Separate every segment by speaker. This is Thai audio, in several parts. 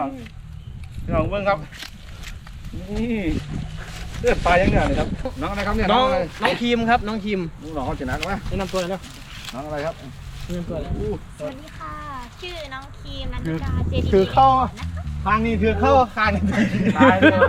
Speaker 1: พี่น้องเบิ่งครับนี่เลือดปลายังเนี่ยเลยครับน้องอะไรครับเนี่ยน้อง
Speaker 2: ครีมครับน้องครีม
Speaker 1: น้องเขาจะนักไหม
Speaker 2: แนะนำตัวเลยเนาะ
Speaker 1: น้องอะไรครับ
Speaker 2: แนะนำตัวเลย
Speaker 3: สวัสดีค่ะชื่อน้องครีมนันทิกาเจดี
Speaker 1: ถือเข้าทางนี้ถือเข้าคางนี่ตายเลย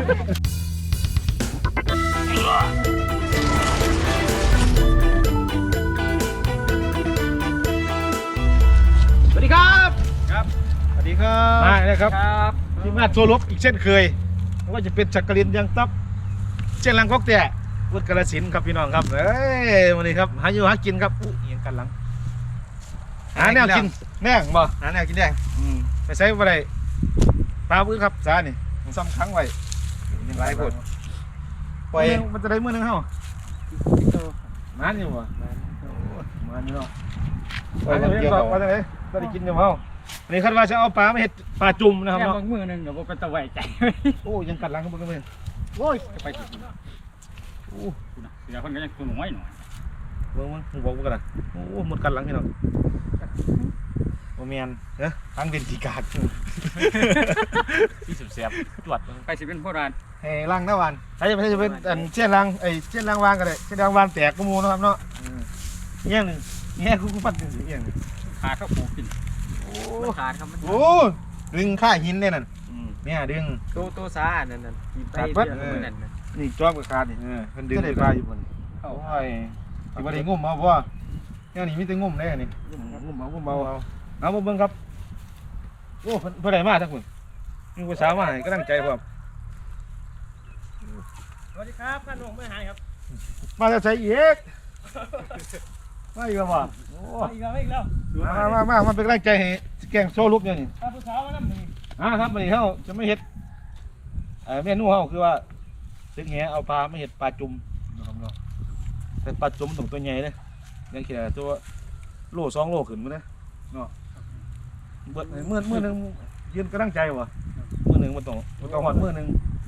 Speaker 2: สวัสดีครับ
Speaker 1: ครับสวัสดีครับมาเลยครับทีมงานโซลบอีกเช่นเคยไม่ว่าจะเป็นจักรินยังตับเช่นลังก๊อกแต่วุฒิกาฬสินธุ์ครับพี่น้องครับเอ้ยวันนี้ครับหาอยู่หากินครับอู้เอียงกันหลังหาแนวกินแน่งบ่
Speaker 2: หาแนวกินแดง
Speaker 1: ไปใช้อะไรปลาพื้นครับสานี่ผมซ้ำครั้งไว้ยังไรพูดปล่อยมันจะได้มื้อนึงเฮามันอยู่บ่มันอยู่เนาะปล่อยมันเกี่ยวกับว่าจังได๋ก็ได้กินอยู่เฮาอันนี้คาดว่าจะเอาปลามาเฮ็ดปลาจุ่มนะครับเนาะ
Speaker 2: มือนึงเดี๋ยวเป็นตะไวใจ
Speaker 1: โอ้ยังกัดหลังกันบ่กันเพิ่นโอ้ยจะไปกินโอ้เดี๋ยวเพิ่นก็ยังตัวน้อยหน่อยเบิ่งมึงบอกบ่กันล่ะโอ้หมดกัดหลังพี่น้องบ่แม่นเด้อทางเด่นที่กาดที่สุดแซ่บจวด
Speaker 2: ไปสิเป็นโบราณ
Speaker 1: ให้ล้างหน้าวันใช้จะเป็นอันเช่นล้างเช่นล้างวางก็ได้เช่นล้างวางแตกก็มูนะครับเนาะเงี้ยนึงเงี้ยคู่ปั้นเป็นสีเงี้ย
Speaker 2: ขาเข้าปูกินโอ้ขาดครับ
Speaker 1: โอ้ดึงค่าหินเนี่ยนั่นเนี่ยดึง
Speaker 2: โตซานั่น
Speaker 1: ขาดปั๊บนี่จ้วงกับขาดนี่มันดึงได้ปลาอยู่บนโอ้ยที่บ่ได้งุ่มเอาบ่เนี่ยนี่มีแต่งุ่มได้นี่งุ่มเอาเบิ่งครับโอ้เพิ่นได้มาทั้งคนมีผู้สาวมาให้กำลังใจพร้อม
Speaker 2: สวัสดีครับท่านหลวงไม่หายครับ
Speaker 1: มาจะใส่อีกมาอีกแล้วว่ะโอ้
Speaker 2: อีกแล้ว
Speaker 1: มาเป็นกำลังใจให้แกงโซ่ลุกเนี่ยนี่
Speaker 2: ผู้สาวมานั่งนี่
Speaker 1: ครับวันนี้เขาจะไม่เห็ดเมนูเขาคือว่าตึกแหเอาปลาไม่เห็ดปลาจุ่มนะครับเนาะแต่ปลาจุ่มต้องตัวใหญ่เลยยังแค่ตัวโล2 โลขึ้นมั้งนะเนาะเมื่อนึงยืนกำลังใจวะมื่อนึงมันต้องหอดมื่อนึง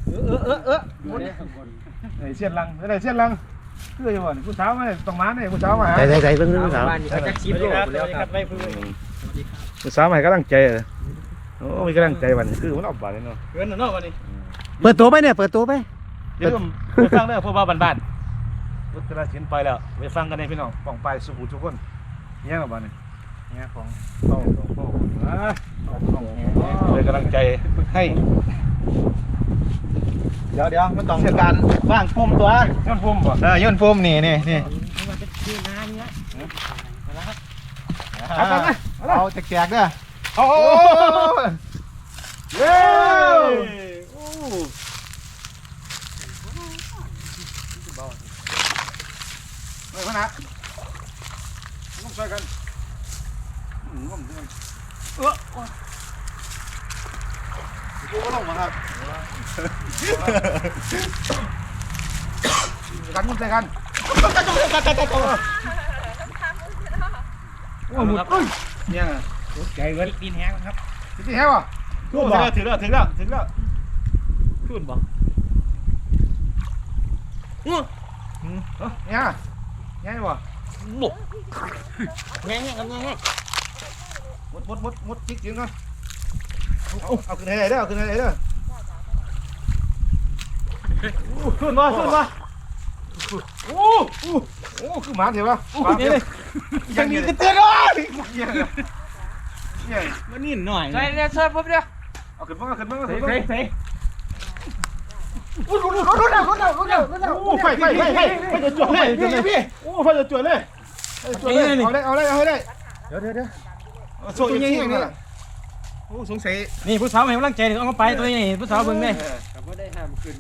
Speaker 1: เสี้ยนลังอะไรเสี้ยนลังคืออย่างว่าผู้สาวมาต้องมาเนี่ยผู้สาวมา
Speaker 2: ใจเพิ่งผู้สาวจะชิปโลแล้วครับ
Speaker 1: ผู้สาวมาให้กำลังใจโอ้มีกำลังใจวันคือมันออกบ้านเลยเนาะ
Speaker 2: เงินเนาะวันนี้
Speaker 4: เปิดตัวไปเนี่ยเปิดตัวไป
Speaker 1: เดี๋ยวไปฟังได้พวกบ้านรถกระชิ้นไปแล้วไปฟังกันในพี่น้องป่องไปสุขุทุกคนเนี่ยหรอบ้านนี่เนี่ยของพ่อเลยกำลังใจให้เดี๋ยวมันต้องการว่างปุ่มตัวย่นปุ่มป่ะย่นปุ่มนี่
Speaker 2: มันจะคือนาเนี่ย
Speaker 1: เอาแจกๆเด้อโอ้เย้ไม่ขนาดต้องช่วยกันง่วงด้วยดูก็ลงมาครับกันมุ่งใจกันโอ้หมดเนี่ย
Speaker 2: ใจเว้ยดินแห้งครับ
Speaker 1: ดินแห้งวะถึงแล้วขึ้นบ่เนี่ยบ่
Speaker 2: บุกแง่กันแง่
Speaker 1: มดจิกจริงกันเอาขึ้นไหนเด้อขึ้นมาโอ้คือหมาเถอะวะยังมีกระเตือนเลย
Speaker 2: มันนิ่มหน่อย
Speaker 3: ใช่เนี่ยช่วยปุ๊บเดียว
Speaker 1: เอาขึ้นมา
Speaker 2: ใส่
Speaker 1: โอ้ไฟจะจวดเลยพี่โอ้ไฟจะจวดเลยเอาเลยเดี๋ยวโซ่ยังไงเนี่ยโอ้สงสัย
Speaker 2: นี่ผู้สาวให้กำลังใจเอาไปตัวนี้ผู้สาวเบิ่งเลย
Speaker 1: ไม่ได้ห้ามขึ้น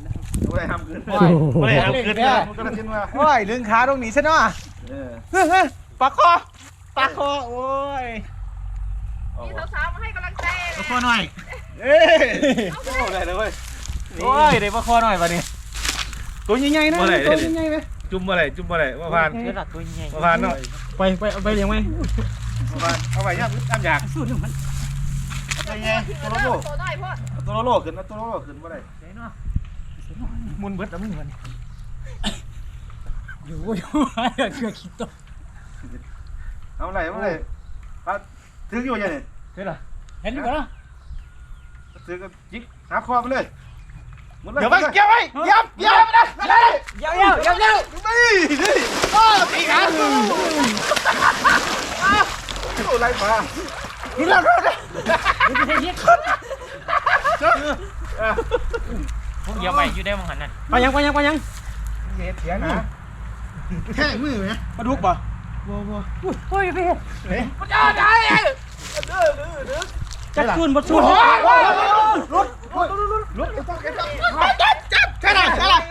Speaker 1: นะมันก็ทิ้งมา
Speaker 2: โอ้ยเรื่องขาตรงนี้ซะเนาะปากคอโอ้ย
Speaker 3: มีสาวๆมาให้กำลังใจ
Speaker 2: ปากคอหน่อย
Speaker 1: โอ้ได้เลยเว้ย
Speaker 2: โอ้ยเดี๋ยวปากคอหน่อยวันนี้ตัวใหญ่ๆนะตัวใหญ่ๆไหม
Speaker 1: จุ่มอะไรว่าผ่าน
Speaker 2: ตัวใหญ่
Speaker 1: ว่าผ่านเนาะ
Speaker 2: ไปเลี้ยงไหม
Speaker 1: เอาไปย่ำอยาก
Speaker 2: สู้หนึ่งมัน
Speaker 1: ตัวใหญ่ตัวโลขึ้นว่าไรมุนเบิดแล้วมึงมัน
Speaker 2: อยู่เกือบคิดตัว
Speaker 1: เอาอะไรถึงอยู่ยังไง
Speaker 2: เห็นหรอเห็นอยู่เหรอ
Speaker 1: ถซื้อก็ยิกหาคอไปเลยหมดเลย
Speaker 2: เดี๋ยวไปเกี่ยวไปยับนะอะไรเกี่ยวนี่โอ้ตีขา
Speaker 1: อะไรมา
Speaker 2: นี่เราเรา
Speaker 5: พวกเยอะไปอยู่ได้มั้งหันนั่น
Speaker 2: ไปยัง
Speaker 1: เสียนะ
Speaker 2: แค่มือไหมปลาดุกป่ะโอ้ยพี่เฮ้ยจับชุนบดชุนรถจับใช่ไหม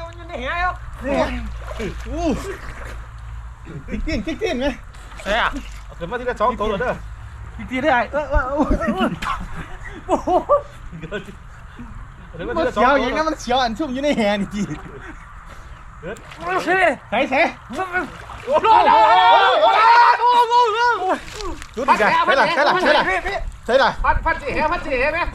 Speaker 2: นี่ติ๊กไหม
Speaker 5: เฮ้ยอ่ะ
Speaker 1: เกิดมาที่ละ2ตัวเลยเด้อ
Speaker 2: ติ๊กได้โอ้โห
Speaker 1: เกิดมา
Speaker 2: มัน
Speaker 1: ที่ละ
Speaker 2: เสียว
Speaker 1: 2
Speaker 2: อย่างนั้นมันเสียวอันชุ่มอยู่ในแฮนจีใส่ดูดิใช่ล่ะ
Speaker 1: พัดสิแหไหมพัดสิแหไหม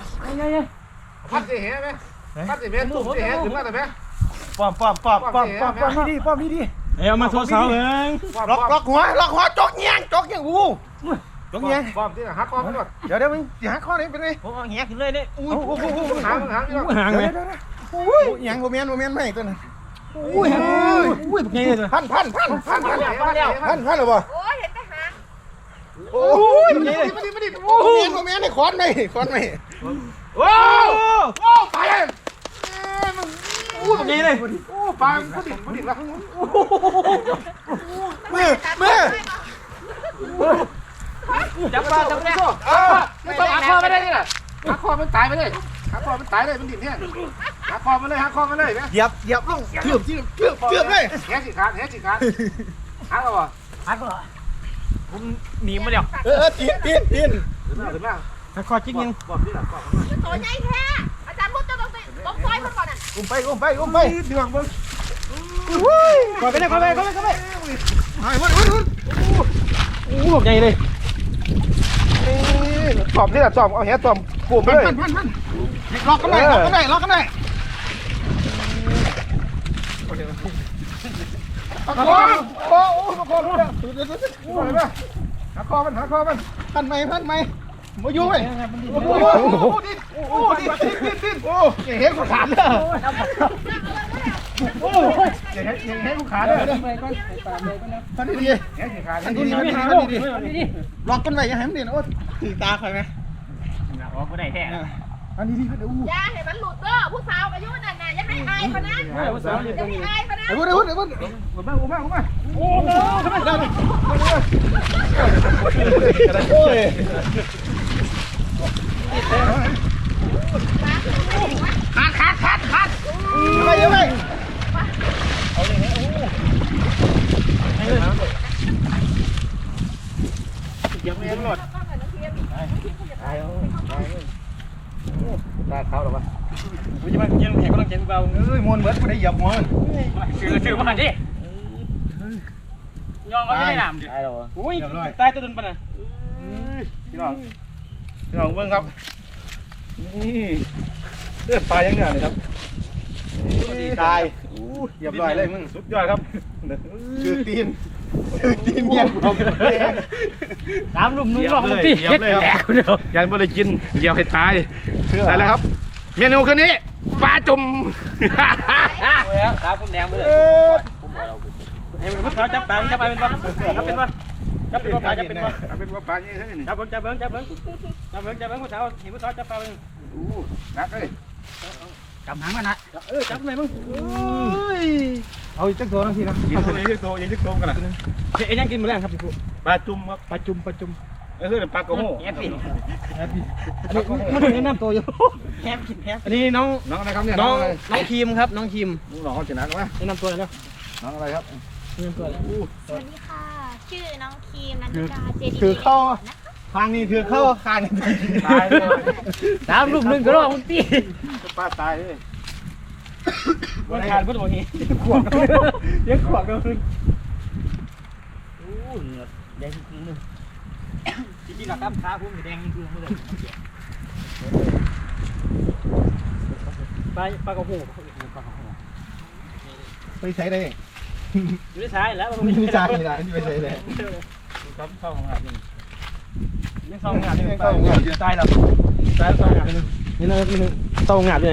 Speaker 1: ตุ้มสิแหถึงมาแต่ไหม
Speaker 2: ป้อมนี่ดิเอามาโทรสาวเองล็อกหัวจกเงี้ยจกเงี้ย
Speaker 1: ป้อมที่หักคอมันก่อน
Speaker 2: เดี๋ยวมึงหาข้อนี้เป็นไง
Speaker 5: ผมเอาแหขึ้นเลยเนี่ย
Speaker 1: หางนี่
Speaker 2: ห่างเลยยังโมเมนต์ไม่ตัวนั้นอุ้ยไงเลยพันหรือเปล่า
Speaker 3: โอ้ยเห็นแต่หาง
Speaker 2: โอ้ยมาดิโมเมนต์นี่คอนไหม
Speaker 1: โอ้ไปเลย
Speaker 2: ไงเลย
Speaker 1: ปลาผู้ดิบละ
Speaker 2: มือ
Speaker 5: จับปลาจับแน่
Speaker 1: ไม่ต้องหักคอไม่ได้นี่แหละหักคอมันตายไปเลยหักคอมันตายเลยมันดิ่งเนี่ยหักคอมันเลยนะ
Speaker 2: เหยียบลงเกือบเลย
Speaker 1: แหสิขาดหักเอาวะ
Speaker 5: ผมหนีมาแล้ว
Speaker 2: ตีน
Speaker 1: ถึงมา
Speaker 2: คอจิ้งยัง
Speaker 1: ป้อมที่หลังป้อม
Speaker 3: ตัวใหญ่แท้อาจารย์มุดจะต้องไปต้องซอยมันก่อนอ่ะ
Speaker 2: อุ้มไปเดือดมึงก่อนไปไงเลย
Speaker 1: ป้อมที่หลังป้อมเอาแหป้อมกูไปเลย
Speaker 2: ล็อกกันได้ประคองหักคอมันพันไหมมาอยู่ไหมดิ้นเห็นกูขาดเลยเห็นกูขาดเลยท่านดีล็อกกันไว้ยังให้มันดีนะโอ้ถือตาใครไหม
Speaker 5: อ๋อกูได้แท้
Speaker 2: อันนี้ดีก็ดู
Speaker 3: อย่าให้มันหลุดเด้อผู้สาวอายุนั่นน่ะอย่าให้อายเขานะอย่าให้อายเขานะ
Speaker 2: ไอ้วุ้นโอ้ยขาดยังไง
Speaker 1: ตาเขาหรอวะ
Speaker 5: กูจะมาเย็นแข็งก็ต้องเย็นเบา
Speaker 2: มวนเหมือนกูได้เหยียบหัว
Speaker 5: ถือมาดิยองก็ไม่ได้หนามดิอุ้ยตายตัวดุนปะน่ะ
Speaker 1: พี่น้องเบิ้งครับนี่เลือดปลายังเหนื่อยเลยครับตายเหยียบลอยเลยมึงสุดยอดครับ
Speaker 2: คือตีนเมียน
Speaker 5: ตามลุ่มนุ่งหลอกตีเฮ็ดแตกเดียว
Speaker 1: ยันบ่ได้กินเหยียบให้ตายได้แล้วครับเมนูคืนนี้ปลาจุ่ม
Speaker 5: ตาผมแดงไปเลยเฮ้ยมันเขาจับปลาเป็นปะเป็นปะจับเป็นปลาจับเป็นปะ
Speaker 1: เป็นว่าปลาอย่างนี้นี่
Speaker 5: จับเบิ้งผู้สาวเห็นผู้สาวจับปลาเป็น
Speaker 1: นักเลย
Speaker 5: จับหางมันนะจับไหนมึง
Speaker 2: เอาอีกจักตัวนึงทีนะ
Speaker 1: ยิงตัวกันนะ
Speaker 5: เฮ้ยยังกินมาแล้วครับพี่กู
Speaker 1: ปลาจุ่มครับ
Speaker 2: ปลาจุ่ม
Speaker 1: คือปลากระโห้
Speaker 5: แฮปปี้
Speaker 2: มันถึงแนะนำตัวอยู่
Speaker 5: แฮปปี้แฮป
Speaker 2: อันนี้น้อง
Speaker 1: น้องอะไรครับเนี่ย
Speaker 2: น้องครีมครับน้องครีม
Speaker 1: น้องเขาชนะไหม
Speaker 2: แนะนำตัวเลยนะ
Speaker 1: น้องอะไรครับ
Speaker 2: แนะนำตัวเลย
Speaker 3: สวัสดีค่ะ ชื่อน้องครีมนันทิกาเจดี
Speaker 2: ถือเข้าทางนี้ถือเข้าคาง
Speaker 1: ตายเลย
Speaker 5: ตามรูปหนึ่งก็รอมึงตี
Speaker 1: ปลาตายเลย
Speaker 5: มันขาดพุทธมงคล
Speaker 2: ขวบยังขวบกันเลย
Speaker 5: โอ้เหนือแดงจริงๆเลยจริงๆกับกล้ามขาพุ่งแดงจริงๆเลยปลากระโห
Speaker 2: ไปใช้ได้
Speaker 5: อยู่ในซ้ายแล้ว
Speaker 2: มีจานนี่นะไปใช้ได้
Speaker 1: ครับเข้าของอาบนี่
Speaker 5: ยังซองงานยัง
Speaker 2: เข้างาน
Speaker 1: ตายแล้วตายแล้วสองอย่างนึง
Speaker 5: นี่นะนี่ซองงานเลย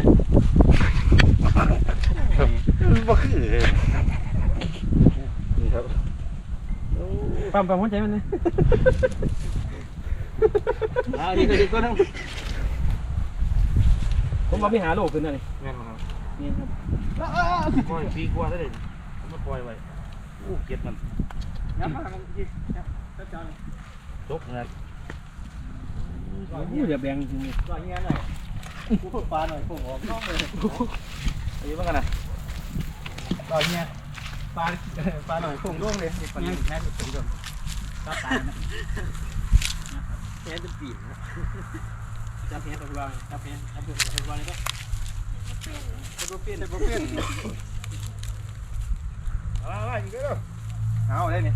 Speaker 1: บ่คือนี่ครับ
Speaker 5: ปั๊มหัวใจมันนี่นี่ก็ดีก็ทั้งผมมาไปหาโลกขึ้นนั่นนี่
Speaker 1: แม่นบ่ครับ
Speaker 5: นี่ครับ
Speaker 1: ปล่อยปีกว่าได้เลยมาปล่อยไว้อู้เก็บมัน
Speaker 5: ยับมามันจีจับจาน
Speaker 1: จบนะ
Speaker 5: อย่าแบ่งจริงก็เงี้ยหน่อยกูฝึกปลาหน่อยผมออกน้องเลย
Speaker 1: อายุเท่ากันนะ
Speaker 5: ก็เงี้ยปลาหน่อยผมร่วงเลยปลาเงี้ยแค่เป็นคนจับตาแค่เป็นปีนจับแค่ตัววางจับแค่ตัววางนี่ก็ตัวเปลี่ยนตัวเปลี่ยน
Speaker 2: อีกแล้ว
Speaker 5: เอาได้เนี่ย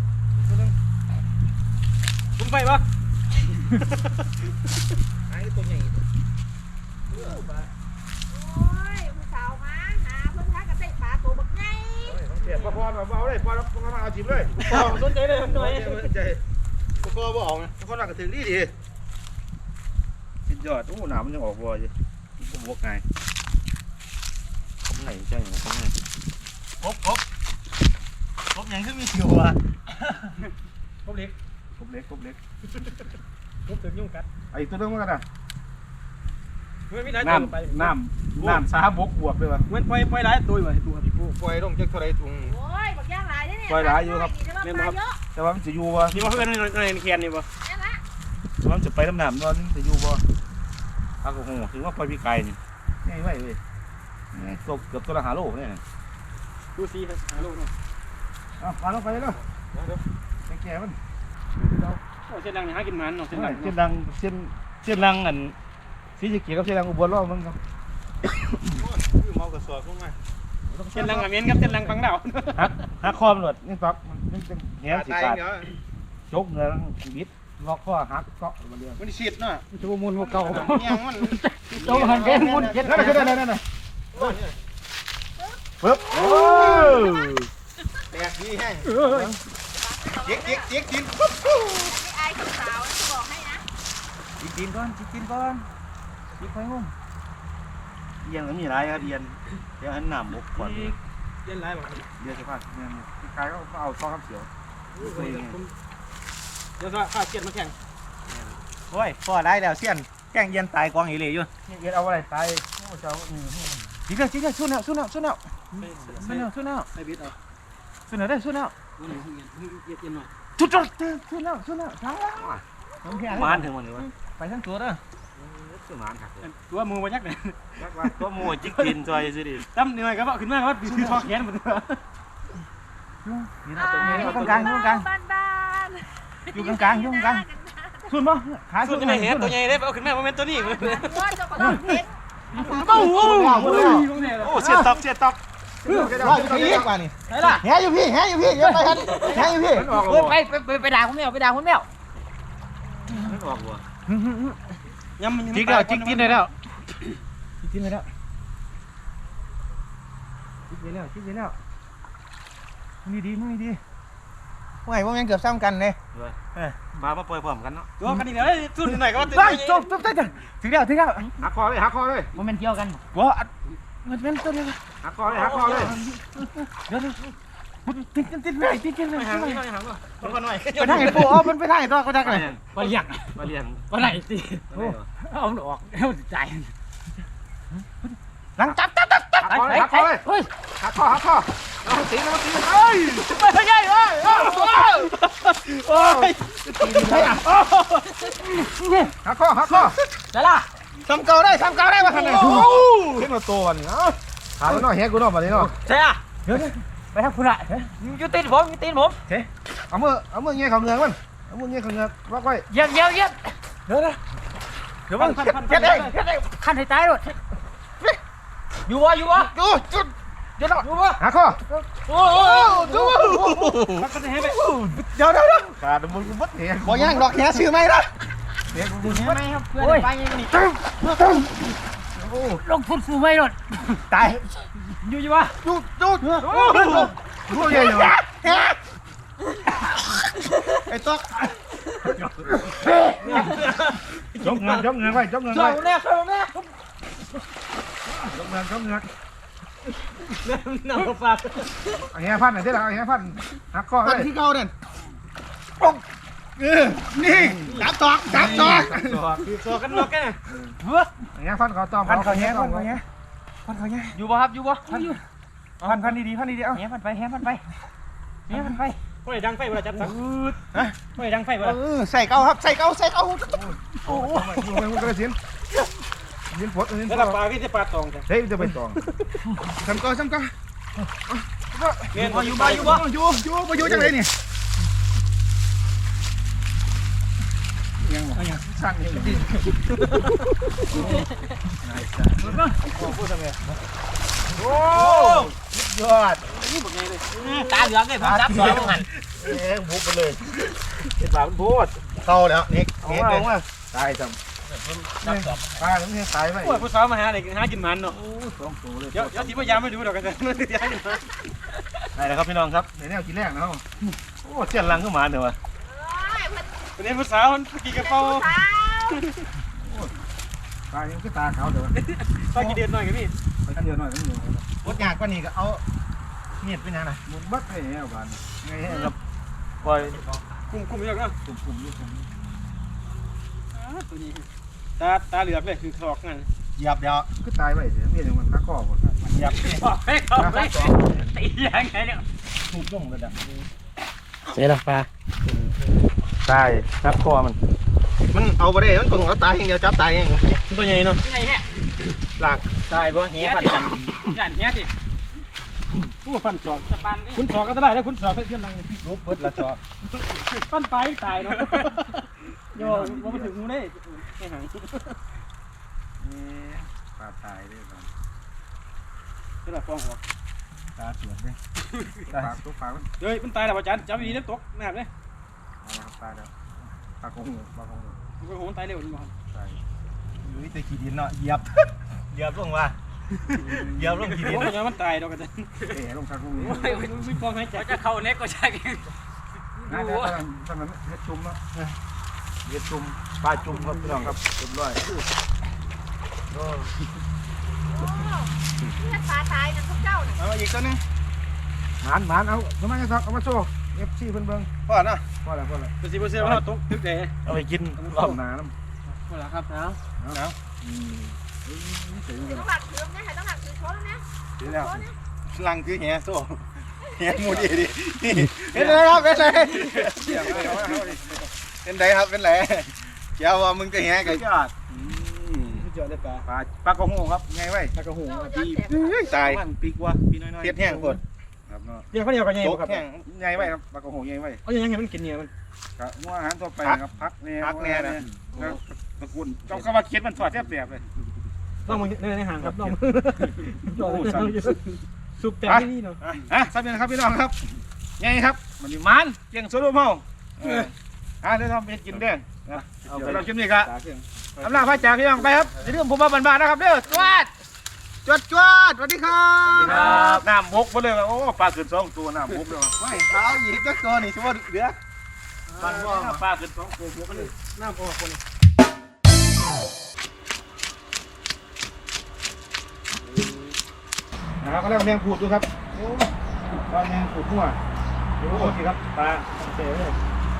Speaker 5: ผมไปปะ
Speaker 2: ไอ้ตัวใหญ่
Speaker 3: โอ้ยผู้สาวมาหาเพิ่นหากระเตะปลาตัวบักใหญ่
Speaker 2: เสียบพอเอาเลยพอมาเอาจิ้มเลย
Speaker 5: สนใจเลยหน่อย
Speaker 2: ใจพอบ่เอาไงพอหนักกระถึงดี
Speaker 1: สุดยอดโอ้หนามมันยังออกบ่อยู่ก็บวกไงผมไหนจังผมไหนครบยังคือมีเสียวอ่ะ
Speaker 5: ผมเล็ก
Speaker 1: ครบเล็ก
Speaker 5: ผมถึงยุ่งกัด
Speaker 2: ไอ้ตัวนึงมันกันนะ
Speaker 5: มันไม่ได้
Speaker 1: น้ำซาบกบวกเลยวะ
Speaker 5: มันปล่อยหลายตัวอยู่ตัวพี่ปู
Speaker 2: ปล่อยลงจากเท่าไรถุง
Speaker 3: โอ้ยบักย่างหลายเด้เนี่ย
Speaker 1: ปล่อยหลายอยู่ครับ
Speaker 3: เล่นมาเยอะ
Speaker 1: แต่ว่ามันจะอยู่บ่
Speaker 5: นี่มาเพื่อนในแคนนี่ปะ
Speaker 3: นั่นละ
Speaker 1: แต่ว่ามันจะไปน้ำหนามบ่มันจะอยู่บ่พักโอ้โหถือว่าปล่อยพี่ไก่นี่ง่ายไว้เว้ยตกเกือบตัวละ5 โลเนี่ย
Speaker 5: ดูซีหาลูกเนาะ
Speaker 2: เอาปลาลงไปแล้วแก่มัน
Speaker 5: โอ้เส้นดังนี่หากินมันเนาะเส้นดัง
Speaker 1: เส้นดังเส้นดังอันสีสะเกีกับเส้นดังอุบลรอบมึงครับ
Speaker 2: เมากระสอบลงมา
Speaker 5: เส้นดังอเมนกับเส้นดังฟังดาว
Speaker 1: หักคอมหลดนี่ตอกมันจะแหงสิขาดจกเนื้อบิดล็อกข้อหักเกาะมาเรื่อย
Speaker 2: มันฉีดเนาะ
Speaker 5: ชั่วมูลเก่า
Speaker 2: เนี่ยมัน
Speaker 5: โตหันแกนมุนเก็ด
Speaker 2: นั่นนั่นปึ๊บโอ้แตกดีแห้งเจ๊กกินปุ๊บ
Speaker 3: ไอ้ผู้สาวจะบอกให้นะ
Speaker 1: กินก่อนกินไปงงเอียงมันมีอะไรครับเอียนเดี๋ยวอันหนามบกก่อน
Speaker 5: เย็นไรบ่
Speaker 1: เดี๋ยวจะพาเอียนพี่กายก็เอาซองคำเสียว
Speaker 5: เดี๋ยวข้าเกียดมาแข่ง
Speaker 1: โอ้ยพอได้แล้วเสี้ยนแกงเย็นตายกองอีเลยอยู่เย็นเอาอะไรตายโอ้เจ้าจริงจริงสู้แล้ว
Speaker 5: ไอ้บิดเอา
Speaker 1: สู้แล้วได้สู้แล้ว
Speaker 5: เย็นหน่อย
Speaker 1: สู้แล้วช้ามาถึงวันนี้วะไปทั้งตัวเด้อคือมันครับ
Speaker 5: ตัวมือมายักเลย
Speaker 1: ก็มัวจิกกินจอยสิดิ
Speaker 5: ตั้มเหนื่อยก็บอกขึ้นมาว่าปีทอแขนหมดเลย
Speaker 1: นี่นะตรงนี้ตรงกลาง
Speaker 3: บ้าน
Speaker 1: อยู่กลางสุดมั้งขา
Speaker 5: ส่วนจะไม่เห็นตัวใหญ่ได้เอาขึ้นมาโมเมนต์ตัวนี้
Speaker 3: ว่าเจ้าก็ต้องเห็น
Speaker 1: โอ้เสียตอก
Speaker 2: รออยู่ที่นี่กว่านี่
Speaker 5: ไหนล่ะ
Speaker 2: แหอยู่พี่เดี๋ยวไปกันแหอยู่พี่
Speaker 3: ไปด่าคุณแมวไปด่าคุณแมว
Speaker 1: มันออกว่ะ
Speaker 5: ยำมัน
Speaker 1: จิกแล้วจิกกินได้แล้วจิกได้แล้วมีดี
Speaker 2: ว่าไงพวกยังเกือบซ้ำกันเลย
Speaker 1: มาปล่อยพร้อมกันเนาะ
Speaker 5: ตัวกันอีกแล้วสุดหน่อยก็ว่า
Speaker 1: จบถึงแล้วหักคอเลย
Speaker 5: มันเป็นเกี่ยวกัน
Speaker 1: ว้ามันเป็นตัวนี้หักคอเลยเดี๋ยวติดเลย
Speaker 5: ไม่ห่างไม่ห่างหรอกตัวกันหน่อย
Speaker 1: ไปทางไอ้ปูอ๋อมันไปทางไอ้ตัวก็ได้กัน
Speaker 5: มาเลี้ยง
Speaker 1: มาเรียน
Speaker 5: มาไหนสิเอาออกเอาใจ
Speaker 1: หลังจับ
Speaker 2: หักคอเลย
Speaker 5: เฮ้ย
Speaker 2: หักคอเอาตีเอ้ย
Speaker 5: ไปใหญ่เอ้ยโอ้ย
Speaker 2: หักคอ
Speaker 5: ได้ละ
Speaker 2: ซ้ำเก่าได้มาขนาดนี้เห็นมาตัวนี่เนาะขาแล้วเนาะแหกูเนาะมาดิเนาะ
Speaker 5: ใช่อ่ะไปทางคุณละยูตีนผม
Speaker 2: เอามือเงี้ยเขาเงือกมันเอามือเงี้ยเขาเงือกล็อกไว้
Speaker 5: เยี่ยมเดี๋ยวมันเฮ็ดเองขั้นให้ตายเลยอยู่วะ
Speaker 2: จุดเดี๋ยวอยู่วะหักคอ
Speaker 5: โอ้ดูขั้นให้ไป
Speaker 2: เดี๋ยวขาดมึงวัดแหบ่ย่างดอกแหซื้อไหมล่ะ
Speaker 5: ไม่ครับเพื่อนไปยังนี่ลงทุนซื้อไม่หรอก
Speaker 2: ตาย
Speaker 5: อยู่วะ
Speaker 2: จุดดูใหญ่อยู่ไอ้ต๊อก
Speaker 1: จกเงินไว้จกเงิน
Speaker 5: ช่ว
Speaker 1: ไว้
Speaker 5: ยแรกช่วยแรก
Speaker 1: จกเงิน
Speaker 5: น้ำฝาก
Speaker 1: อันนี้พันไหนที่หลังอันนี้พันหักข้อ
Speaker 2: พั
Speaker 1: เล
Speaker 2: น
Speaker 1: ย
Speaker 2: ที่เก่าเนี่ยนี่จับตอกจับตอก
Speaker 5: ตัวกันล็อกกัน
Speaker 1: อันนี้พันเขาต้อง
Speaker 2: พันเขาแย่พันเขาแย่
Speaker 5: อยู่บ่ครับอยู่บ่
Speaker 2: พันดีๆพันดีๆเอา
Speaker 5: แหพันไปแหพันไปแหพันไปไม่ดังไฟเวลาจับสักไม่ดังไฟเวลา
Speaker 2: ใส่เก่าครับใส่เก่าโอ้โห
Speaker 1: มันก็เลยสินปวดสิน
Speaker 5: แล้วปลาก็จะปลาตองจ้ะ
Speaker 1: เฮ้ยจะไปตอง
Speaker 2: ทำก่อน
Speaker 5: เงินอยู่บ่อยู่บ่
Speaker 2: อยู่จังเลยนี่ยังสั่นอยู่ดิโอ้ยอด
Speaker 5: ตาเหลืองเลยผมจับสองหัน
Speaker 1: บุกไปเลยเป็นปากมันโพด
Speaker 2: เข้าแล้วนี่
Speaker 1: เอามาตายจ
Speaker 5: จับสอง
Speaker 1: ำตายแล้วนี่ตายไป
Speaker 5: โอ้ยผู้สาวมาหาเด็กหากินมันเนาะ
Speaker 1: สองตัวเลย
Speaker 5: เดี๋ยวทีพยายามไม่ดูดอกกันจะย้ายมา
Speaker 1: ได้แล้วครับพี่น้องครับในแนวกินแรกนะครับโอ้เจียนลังขึ้นมาเดี๋ยววะ
Speaker 5: วันนี้ผู้สาวกี่กระเป๋า
Speaker 1: ตายยังคือตาขาวเดี๋ยว
Speaker 5: ต้องกี่เดือนหน่อยกันพี่
Speaker 1: ไปกันเดียวหน่อยกันเดียว
Speaker 2: วดยากกว่านี้ก็เอาเมียดไปนะ
Speaker 1: มุนบัดให้แอบานไงให้ครับปล่อย
Speaker 5: คุมเยอะนะ
Speaker 1: กลุ่มนี่กลุ่ม
Speaker 5: ตัวนี้ตาเหลือกเลยคือถอกนั่น
Speaker 2: เหยียบเดี๋ยว
Speaker 1: คือตายไปเดี๋ยวมีอย่างมันขาข้อหมด
Speaker 2: เหยียบ
Speaker 5: เฮ้ยเขาไม่ตียังไงเนี่ย
Speaker 1: ทุบลงระดับ
Speaker 4: เสร็จแล้วปลา
Speaker 1: ตายขาข้อมัน
Speaker 2: เอาไปได้มันต้องเอาตายอย่างเดียวจับตายอย่าง
Speaker 5: ตัวใหญ่เนาะใหญ่แฮะ
Speaker 2: หลัก
Speaker 5: ตายบ่เหี้ยฟันกันยันเหี้ยสิผู้ฟันศอกจะปันคุณศอกก็ได้แล้วคุณศอกเพื่อนนั่ง
Speaker 1: รูปเปิดละจอ
Speaker 5: ฟันไปตายเนาะโย่ว่ามาถึงงูได้ไอ้หัง
Speaker 1: ปลาตายด้วยกัน
Speaker 5: ก็แบบฟองหัว
Speaker 1: ตาสวนเลยปลาตัวปลา
Speaker 5: เฮ้ยมันตายแล้วอาจารย์จับดีแล้วตกแม่เลย
Speaker 1: ตายแล้วปลาคงปลาคง
Speaker 5: มันก็โหมันตายเร็วนี่บ่
Speaker 1: ตาย
Speaker 2: อยู่ที่ขี้ดินเนาะเหยียบเหยียบลงว่าเหยียบลงขี้ดิน
Speaker 5: โอ้ยมันตายดอกกัน
Speaker 1: เอ๋ลงคาคง
Speaker 5: โอ้ยไม่ฟองให้จับจะเข้าเน็กก็ใช่
Speaker 1: น่าจะตอนนั้นเฮ็ดจุ่มเนาะเฮ็ดจุ่มปลาจุ่มครับพี่น้องครับเรียบร้อย
Speaker 3: นี่ปลาตายนะพวกเจ้าเนี่ย
Speaker 2: เอาอีกตัวนึง
Speaker 1: หมานเอาทำไมกันครับเอามาโซ่เอฟซีเพิ่นเบิ่ง
Speaker 2: พอเนาะ
Speaker 1: พอแล้ว
Speaker 5: ตัวสีเปอร์เซ็นต์ว่าตกตึกเลย
Speaker 1: เอาไปกินรอบหน้าน้ำ
Speaker 5: หมดแล้วครับนะ
Speaker 3: ต้องหลักถือเนี่ยต้องหลักถือโชว์แล้วนะ
Speaker 1: ดีแล้ว
Speaker 2: ลังคือเหี้ยโซ่เหี้ยมูดีดิเป็นไรครับเป็นไรเป็นไรครับเป็นไรเจ้าว่ามึงก็เหี้ยกัน
Speaker 1: ยอด
Speaker 5: เจอได้ปลา
Speaker 1: ปลากระโหครับไงไว้
Speaker 5: ตะกระหู
Speaker 2: ตาย
Speaker 1: มันปีกว่าปีน้อยๆ
Speaker 2: เทียดแห้งกด
Speaker 1: ครับเนาะ
Speaker 5: เดี๋ยวเขาเดียวกันยัง
Speaker 2: โจ
Speaker 5: ไง
Speaker 2: ก
Speaker 5: ครับ
Speaker 2: แห้ง
Speaker 1: ไงไว้ครับปลากระโหไงไว้
Speaker 5: เอายังไงมันกินเนี่ยมัน
Speaker 1: ครับหัวอาหารทั่วไปครับพักแน่ตะกุนเจ้าก็ว่าเคียดมันสอดแทบแบบเลย
Speaker 5: น้องมึงในห่างครับน้องสุกแต่ที่นี่เนาะ
Speaker 1: สับเนี่ยครับพี่น้องครับไงครับมันนี่มันเกียงโซโล่เมาเดี๋ยวทำเป็นกินเด้งเราชิมนี่ครับอำลาพระจ่าพี่น้องไปครับอย่าลืมผมมาบันบานนะครับเด้อจวด
Speaker 2: จวดสวัสดีครับ
Speaker 1: น้ำบกไปเลยโอ้ปลาขึ้น2ตัวน้ำบกเลย
Speaker 2: ไม่เท้าหยิบจักตัวนี่ชัวร์เดือด
Speaker 1: ปลาขึ้น2ตัวบกเลย
Speaker 5: น้ำออกคน
Speaker 1: นะครับก็เรียกแมงผูดดูครับโอ้ปลาแมงผูดหัวโอ้โหสิครับปลาเตะเลย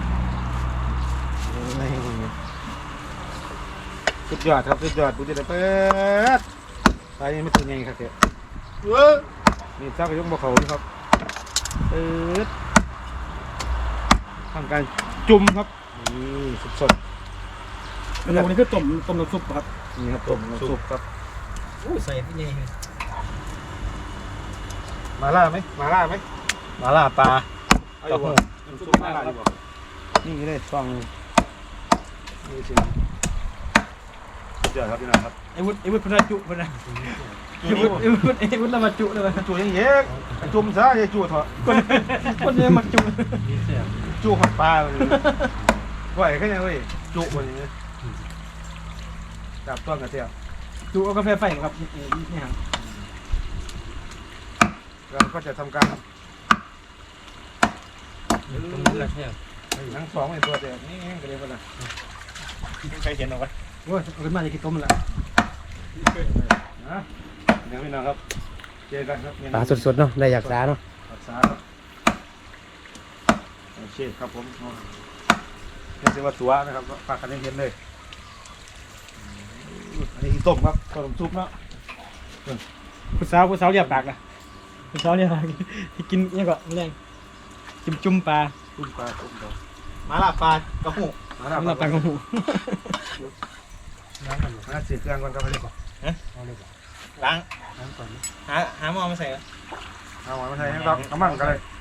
Speaker 1: สุดยอดครับสุดยอดดูดิเปิดปลานี่ไม่ถึงไงครับเจ๊นี่เจ้าก็ยกบ่เขานี่ครับเปิดทำการจุ่มครับนี่สด
Speaker 5: มันลงนี่คือต้มน้ำซุปครับ
Speaker 1: ๆนี่ครับต้มน้ำซุปครับ
Speaker 5: ใส่ที่นี่
Speaker 1: มาล่าไหมมาล่าไหม
Speaker 2: มาล่าปลา
Speaker 1: เอาอยู่บ่น้ำซุปมาล่าอยู่บ่นี่เลยฟองนี่สิสุดยอดครับพี่น้องครับ
Speaker 5: ไอ้วุฒิพนัจุพนัไอ้วุฒิละมาจุเลย
Speaker 1: จูยังเยอะจุ่มซะอย่าจูเถอะ
Speaker 5: คนเนี่ยมาจุ
Speaker 1: จูขับปลาเลยไหวแค่ไหนเว้ยจูบนอย่างนี้จับต้นกระเทียม
Speaker 5: จุเอากาแฟไฟครับนี่ฮะ
Speaker 1: เราก็จะทำการทั้งสองไอ้ตัวเดียวนี่ก็เลยคนละใครเห็นเอาไว้
Speaker 5: โอ้ยเอาขึ้นมาจะกินต้มละ
Speaker 1: นะเดี๋ยวพี่น้องครับเจอกันครับ
Speaker 4: ปลาสดๆเนาะได้อยากสาเนาะ
Speaker 1: รักษาครับโอเคครับผมนี่คือว่าตัวนะครับฝากกันเห็นเลยอันนี้ต้มครับต้มซุปเนาะ
Speaker 5: ผู้สาวเรียบปากนะผู้สาวเรียบปากกินนี่ก็แรงจุ่มปลา
Speaker 1: ต้มปลาต้มปลา
Speaker 2: มาละปลากระหู
Speaker 1: มา
Speaker 5: สำห
Speaker 1: แล้
Speaker 5: รั
Speaker 1: ว
Speaker 5: บปลากระหู
Speaker 1: มาเสียเครื่องก่อนครับไปเลยก่อน
Speaker 2: ล้าง
Speaker 5: น้ำก่อน
Speaker 2: หาหม้อมาใส่
Speaker 1: เอาหวานมาใส่ให้เรากำลังกันเลย